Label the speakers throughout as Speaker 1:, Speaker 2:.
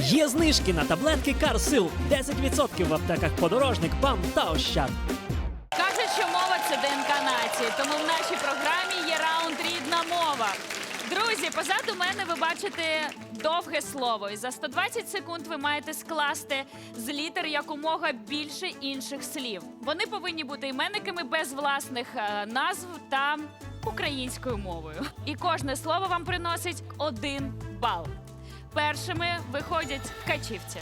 Speaker 1: Є знижки на таблетки Карсил. 10% в аптеках Подорожник, ПАМ та Ощад.
Speaker 2: Кажуть, що мова – це ДНК нації, тому в нашій програмі є раунд «Рідна мова». Друзі, позаду мене ви бачите довге слово. І за 120 секунд ви маєте скласти з літер якомога більше інших слів. Вони повинні бути іменниками без власних назв та українською мовою. І кожне слово вам приносить 1 бал. Першими виходять ткачівці.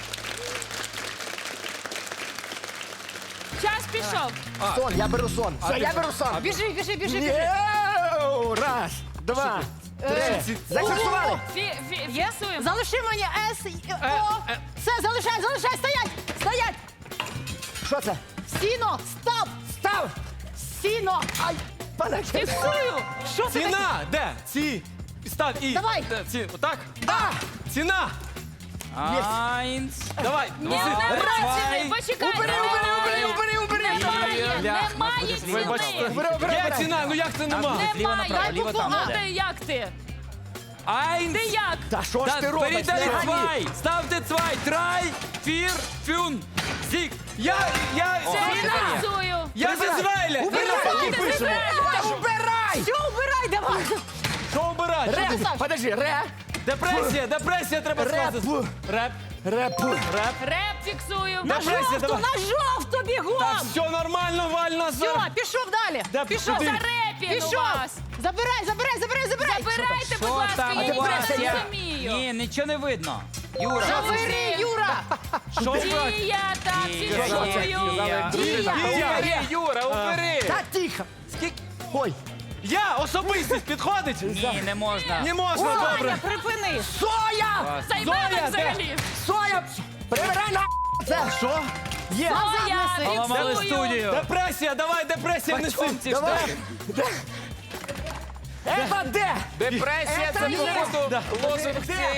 Speaker 2: Час пішов.
Speaker 3: Сон, я беру сон. Все, я беру сон.
Speaker 4: Біжи, біжи, біжи, біжи.
Speaker 3: Єу! Раз, два, три. Зафіксували.
Speaker 2: Фіксуємо.
Speaker 4: Залиши мені С, О. Все, залишай, залишай, стоять, стоять.
Speaker 3: Що це?
Speaker 4: Сіно, стоп,
Speaker 3: Став!
Speaker 4: сіно.
Speaker 3: Ай, пане.
Speaker 2: Фіксую.
Speaker 4: Що це таке?
Speaker 5: Ціна! Де? Ці. Став і.
Speaker 4: Давай.
Speaker 5: Ці. Отак?
Speaker 3: А!
Speaker 5: Ціна!
Speaker 6: Айнс.
Speaker 5: Давай.
Speaker 2: Ні, немає. Почекайте.
Speaker 3: Убери.
Speaker 2: Немає
Speaker 5: Вибачте.
Speaker 2: ціни.
Speaker 5: Є ціна, ну як це нема?
Speaker 6: Ліво направо,
Speaker 2: Немає.
Speaker 6: ліво там.
Speaker 2: А ти як ти?
Speaker 6: Айнс.
Speaker 2: Ти як?
Speaker 3: Та що ж ти робиш?
Speaker 6: Перейдали
Speaker 3: Не гані.
Speaker 6: цвай. Ставте цвай. Трай, фір, фюн, зік.
Speaker 5: Я
Speaker 2: Фіксую.
Speaker 5: зі Звейля!
Speaker 3: Убирай, які пишемо. Убирай!
Speaker 4: Все, убирай, давай.
Speaker 5: Що обирати?
Speaker 3: Ре, подожди, ре,
Speaker 5: Депресія треба
Speaker 3: реп,
Speaker 5: сказати. Реп.
Speaker 3: реп.
Speaker 2: Реп фіксую.
Speaker 4: На
Speaker 5: Депресія,
Speaker 4: жовту,
Speaker 5: давай.
Speaker 4: на жовту бігом.
Speaker 5: Так, все нормально, Валь,
Speaker 4: Все,
Speaker 5: назад.
Speaker 4: пішов далі.
Speaker 5: Де-
Speaker 4: Пішов.
Speaker 5: куди?
Speaker 2: Зарепін у
Speaker 4: Пішов.
Speaker 2: вас.
Speaker 4: Забирай, забирай, забирай, забирай.
Speaker 2: Забирайте, будь
Speaker 6: Що
Speaker 2: ласка,
Speaker 6: там
Speaker 2: я
Speaker 6: у вас?
Speaker 2: нічого не
Speaker 6: Я-
Speaker 2: розумію.
Speaker 6: Ні, нічого не видно. Юра.
Speaker 4: Забери, Юра.
Speaker 5: Що брати?
Speaker 2: Дія, так, фіксую.
Speaker 4: Дія.
Speaker 5: Юра, убери.
Speaker 3: Та тихо.
Speaker 5: Скільки?
Speaker 3: Ой,
Speaker 5: Я, особистість підходить?
Speaker 6: Ні, не можна.
Speaker 5: Не можна, добре.
Speaker 4: Аня, припини.
Speaker 3: соя!
Speaker 2: Займемо
Speaker 5: Зоя, де?
Speaker 2: взагалі.
Speaker 3: Соя! Прибирай на це! Що? Є!
Speaker 2: Зоя,
Speaker 6: Поламали
Speaker 2: фіксую.
Speaker 6: студію.
Speaker 5: Депресія, давай, депресія неси.
Speaker 3: Давай! Ева, де?
Speaker 5: Депресія,
Speaker 3: це
Speaker 5: походу лозунг цієї.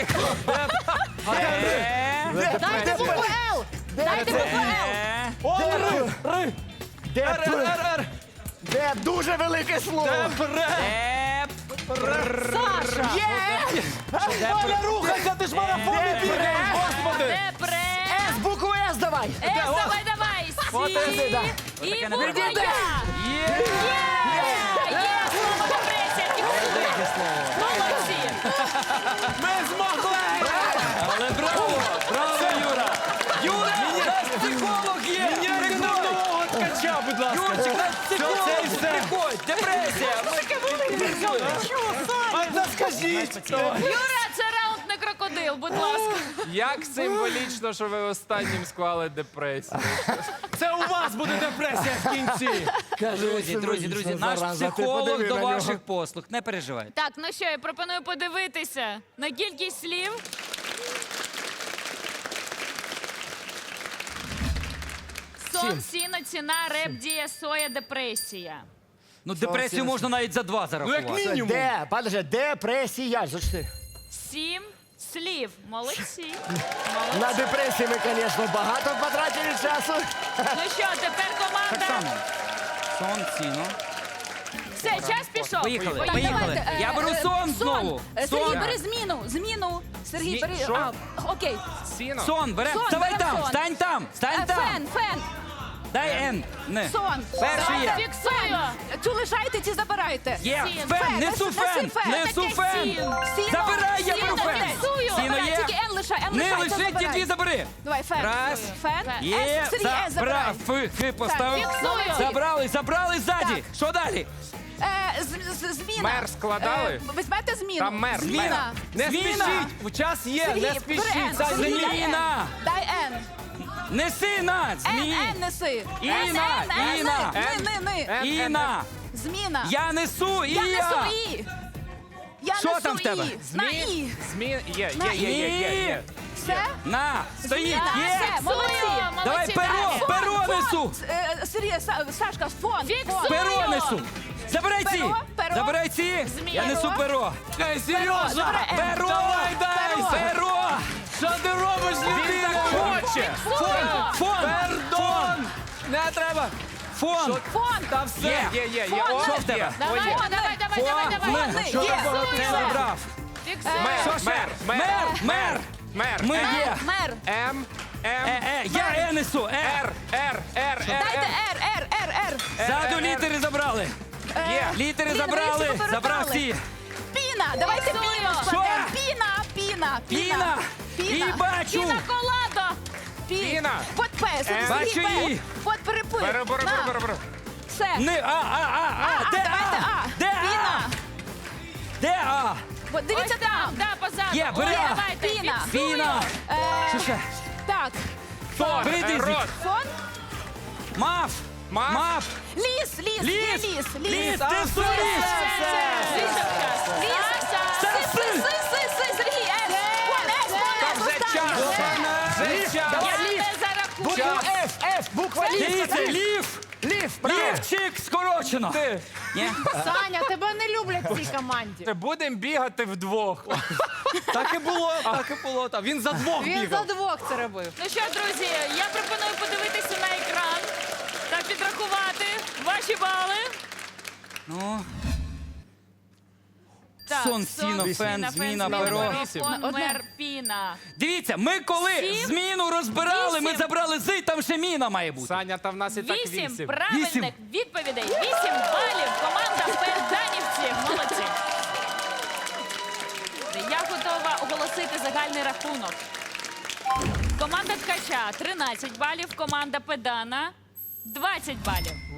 Speaker 4: Дайте букву Л. Дайте букву Л.
Speaker 5: О,
Speaker 3: Де?
Speaker 5: ри.
Speaker 3: Де?
Speaker 5: Р.
Speaker 3: Де? Дуже велике слово!
Speaker 5: Депре.
Speaker 4: Саша.
Speaker 3: Є!
Speaker 5: Валя, рухайся, ти ж в марафоні бігаєш, господи.
Speaker 2: Депре.
Speaker 3: С, букву С давай!
Speaker 2: Давай, давай.
Speaker 3: От
Speaker 2: Сі.
Speaker 3: це, да.
Speaker 2: І
Speaker 6: не
Speaker 2: буква
Speaker 6: приділи.
Speaker 2: Я.
Speaker 6: Є.
Speaker 2: Є слово депресія. Фіксую. Молодці.
Speaker 5: Ми змогли.
Speaker 6: Але браво! Браво, Юра! Юра! У нас психолог є!
Speaker 5: Міняйте на нового ткача, будь ласка.
Speaker 6: Юрчик, у нас психолог!
Speaker 5: Це і все.
Speaker 6: Приходь! Депресія!
Speaker 5: А та скажіть.
Speaker 2: Юра, це раунд не крокодил, будь ласка.
Speaker 7: Як символічно, що ви останнім склали депресію.
Speaker 5: Це у вас буде депресія в кінці.
Speaker 6: Друзі, наш психолог до ваших послуг. Не переживайте.
Speaker 2: Так, ну що, я пропоную подивитися на кількість слів. Сон, сіно, ціна, реп, дія, соя, депресія.
Speaker 6: Ну, депресію можна навіть за 2
Speaker 5: Ну, як
Speaker 6: зарахувати.
Speaker 5: мінімум.
Speaker 3: Де? Подожди, депресія. Зачти.
Speaker 2: 7 слів. Молодці.
Speaker 3: На депресії ми, звісно, багато потратили часу.
Speaker 2: Ну що, тепер
Speaker 6: Так
Speaker 2: команда.
Speaker 6: само. Сон, ціно.
Speaker 2: Все, час пішов.
Speaker 6: Поїхали,
Speaker 4: Так,
Speaker 6: поїхали.
Speaker 4: давайте,
Speaker 6: Я беру сон знову.
Speaker 4: Сергій,
Speaker 6: Сон.
Speaker 4: бери зміну. Сергій, бери.
Speaker 7: Що?
Speaker 4: Окей.
Speaker 7: Сіно?
Speaker 6: Сон, берем.
Speaker 4: Сон,
Speaker 6: Вставай
Speaker 4: берем
Speaker 6: там,
Speaker 4: сон.
Speaker 6: стань там, стань там.
Speaker 4: Фен.
Speaker 6: Дай Н. Не.
Speaker 4: Сон.
Speaker 6: Перший є.
Speaker 2: Фіксую.
Speaker 4: Цю лишайте, ці забирайте.
Speaker 6: Є.
Speaker 2: Сін.
Speaker 6: Фен, несу
Speaker 4: Неси
Speaker 6: фен.
Speaker 4: фен.
Speaker 6: Несу
Speaker 2: Таке
Speaker 6: фен.
Speaker 2: сін.
Speaker 4: Сіно.
Speaker 6: Забирай, я
Speaker 2: Сіно,
Speaker 6: беру фен.
Speaker 2: фіксую.
Speaker 6: Сіно
Speaker 4: Забирай,
Speaker 6: є.
Speaker 4: тільки Н лишай, Н
Speaker 6: Не
Speaker 4: лишай, це
Speaker 6: лиши, ті
Speaker 4: забирай.
Speaker 6: дві забери.
Speaker 4: Давай, фен.
Speaker 6: Раз.
Speaker 4: Фен.
Speaker 6: Є.
Speaker 4: Сергій, С забирай.
Speaker 6: Фи поставив.
Speaker 2: Фіксую.
Speaker 6: Забрали ззаді.
Speaker 4: Так.
Speaker 6: Що далі?
Speaker 4: Зміна.
Speaker 7: Мер складали?
Speaker 4: Візьмете зміну.
Speaker 7: Там мер,
Speaker 4: Зміна.
Speaker 5: Не
Speaker 6: Зміна.
Speaker 5: спішіть. Час є,
Speaker 4: Сергій,
Speaker 5: не
Speaker 4: бери
Speaker 5: спішіть.
Speaker 4: Н.
Speaker 5: Це
Speaker 4: Сергій,
Speaker 5: зміна.
Speaker 4: дай Н.
Speaker 6: Зміна.
Speaker 4: Дай Н.
Speaker 6: Неси на.
Speaker 4: Н неси.
Speaker 6: Іна,
Speaker 4: Н,
Speaker 6: Іна.
Speaker 4: Ни.
Speaker 6: Іна.
Speaker 4: Зміна.
Speaker 6: Я несу і
Speaker 4: Я несу І. Я
Speaker 6: Що
Speaker 4: несу
Speaker 6: там в тебе?
Speaker 4: І. На І.
Speaker 7: Змін є.
Speaker 4: Все?
Speaker 6: На. Стоїть.
Speaker 4: Зміна.
Speaker 6: Є.
Speaker 4: Все, молодці.
Speaker 6: Давай перо несу.
Speaker 4: Сергій, Сашка, фон.
Speaker 2: Фіксую.
Speaker 6: Перо несу. Забирай ці.
Speaker 4: Перо.
Speaker 6: Забирай ці. Я несу перо.
Speaker 5: Ей, Сережа.
Speaker 4: Забирай Н.
Speaker 6: Перо.
Speaker 5: Давай, дай.
Speaker 6: Перо.
Speaker 5: Що ти робиш, людина?
Speaker 7: Хоче.
Speaker 6: Фон.
Speaker 5: Пардон. Не треба.
Speaker 6: Фон.
Speaker 4: Фон.
Speaker 5: Та все.
Speaker 7: Є.
Speaker 4: Фон.
Speaker 6: Що в тебе?
Speaker 2: Давай, давай.
Speaker 6: Фон.
Speaker 4: Фон.
Speaker 6: Що
Speaker 4: Є.
Speaker 6: ти забрав?
Speaker 2: Фіксую.
Speaker 6: Що ще? Мер.
Speaker 7: Мер.
Speaker 6: Ми є.
Speaker 4: Мер.
Speaker 7: М.
Speaker 6: Я несу.
Speaker 7: Р.
Speaker 4: Дайте Р.
Speaker 6: Ззаду літери забрали.
Speaker 7: Є.
Speaker 6: Літери
Speaker 4: Блін, ви
Speaker 6: забрали.
Speaker 4: всі повертали.
Speaker 6: Забрав всі.
Speaker 4: Піна. Давайте піну складемо. Піна.
Speaker 6: Піна. І бачу.
Speaker 2: Піна коладо.
Speaker 7: Піна.
Speaker 4: Под П.
Speaker 6: Бачу її.
Speaker 4: Под перепив.
Speaker 7: Беру.
Speaker 4: Все.
Speaker 6: Не, Де
Speaker 4: Давайте А.
Speaker 6: Де
Speaker 4: Піна.
Speaker 6: Де А?
Speaker 4: От Дивіться
Speaker 2: Ось
Speaker 4: там.
Speaker 2: Да, позаду.
Speaker 6: Є, бери.
Speaker 2: Ой, давайте,
Speaker 4: Піна.
Speaker 2: фіксую.
Speaker 6: Піна. Що ще?
Speaker 4: Так.
Speaker 7: Фон.
Speaker 6: Прийди
Speaker 7: Рот.
Speaker 4: Фон.
Speaker 6: Мав.
Speaker 7: Мав.
Speaker 4: Ліс.
Speaker 6: Ліс.
Speaker 4: Ліс.
Speaker 6: Ліс. Ти в ліс.
Speaker 2: Вийшов час.
Speaker 4: Сергій. С.
Speaker 7: Вже час. Вже час.
Speaker 2: Я не зарахую.
Speaker 3: Буква Ф, буква
Speaker 6: Дивіться, лів.
Speaker 3: Лів, правильно.
Speaker 6: Лівчик скорочено.
Speaker 7: Ти.
Speaker 6: Ні?
Speaker 4: Саня, тебе не люблять в цій команді.
Speaker 7: Будемо бігати вдвох.
Speaker 5: Так і було. Та він за двох бігав.
Speaker 4: двох це робив.
Speaker 2: Ну що, друзі, я пропоную подивитися на екран та підрахувати ваші бали.
Speaker 6: Ну,
Speaker 2: Так,
Speaker 6: Сон, сіно, фен, зміна, перо.
Speaker 2: фон, мер, піна.
Speaker 6: Дивіться, ми коли
Speaker 2: 7,
Speaker 6: зміну розбирали, ми
Speaker 2: 8.
Speaker 6: забрали з, там ще міна має бути.
Speaker 7: Саня, та в нас і так
Speaker 2: 8
Speaker 7: 8.
Speaker 2: правильних
Speaker 6: 8.
Speaker 2: відповідей. 8 балів. Команда Перданівці. Молодці. Я готова оголосити загальний рахунок. Команда Ткача 13 балів, команда Педана 20 балів.